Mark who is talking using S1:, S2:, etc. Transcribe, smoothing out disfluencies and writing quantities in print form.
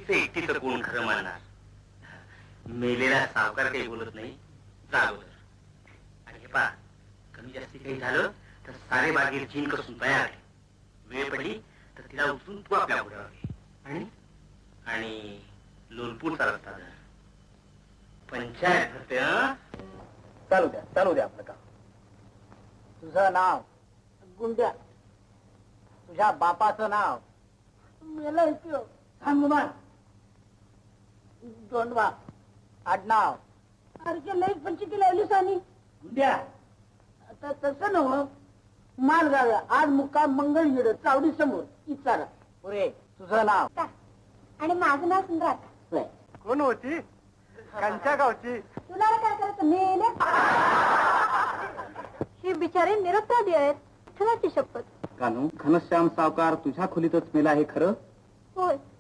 S1: तुमचं एकटीचं कोण खरं मानणार? मेलेला सावकार काही बोलत नाही, जागोदर. आणि हे पहा, कमी जास्ती काही झालं तर सारे बागेर चीन कसून तयार आहे. वेळ पडली तर तिला उचलून तू आपल्या घोड्यावर घे. आणि लोलपूरचा रस्ता धर. पंचायत भरते.
S2: चालू द्या आपलं काम. तुझं नाव? गुंड्या. तुझ्या बापाचं नाव? हनुमान. दोंडवा. आडनाव? अरे लई पंचकी लावलीस आणि गुंड्या. आता तसं नव्ह, मालगाव. आज मुक्काम मंगळगीड चावडी समोर इचारा. पुरे. तुझं नाव?
S3: आणि माझं नाव सुंदरात.
S2: कोण होती? कंच्या गावची?
S3: तुला काय करायचं? मेले ही बिचारी निरुत्तर आहेत. ठेवायची शपथ.
S2: कानू, घनश्याम सावकार तुझ्या खोलीतच मेला हे खरं?
S3: होय.